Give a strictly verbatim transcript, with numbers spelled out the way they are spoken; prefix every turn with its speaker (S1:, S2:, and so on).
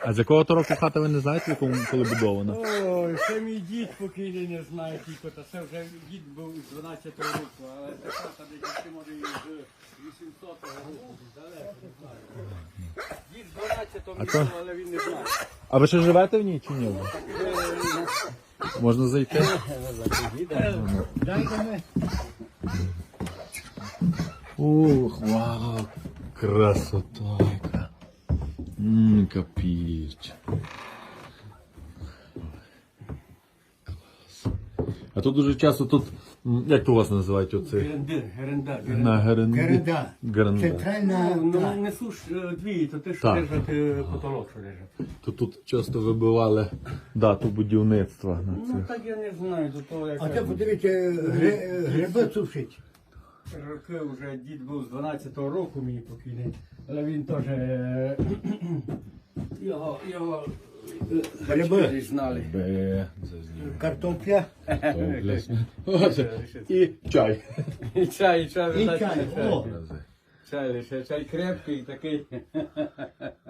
S1: А з якого то року хата ви не знаєте, в якому коли будована?
S2: Ой, це мій дід покійний не знає тільки, та це вже дід був з дванадцятого року, але це хата десь може і з вісімсотого року, далеко не знаю. Дід з дванадцятого
S1: А то-
S2: року, але він не знає.
S1: А ви ще живете в ній чи ні? Можна зайти?
S2: Дайте ми.
S1: Ух, вау, красота яка. Ммм, капіч. Клас. А тут дуже часто тут, м, як то у вас називають оце?
S2: Герендир, геренда,
S1: На геренді?
S3: Геренда.
S1: Геренда.
S3: Центральна.
S2: Ну,
S3: та.
S2: не суш дві, то те, що
S1: Так.
S2: держать е, потолок, що держать.
S1: То тут часто вибивали дату будівництва на
S2: Ну
S1: цих.
S2: так я не знаю, до того як
S3: А це подивіться, гри- гриби сушить.
S2: роки вже дід був з дванадцятого року мій покійний, але він теж е, його, його е,
S3: Гриби.
S2: батьки знали.
S1: Бе, це знімає.
S3: Картопля.
S1: Оце. І чай.
S2: І чай, і чай,
S3: І
S2: видать,
S3: чай.
S2: чай.
S3: О.
S2: Чай лише, чай крепкий такий.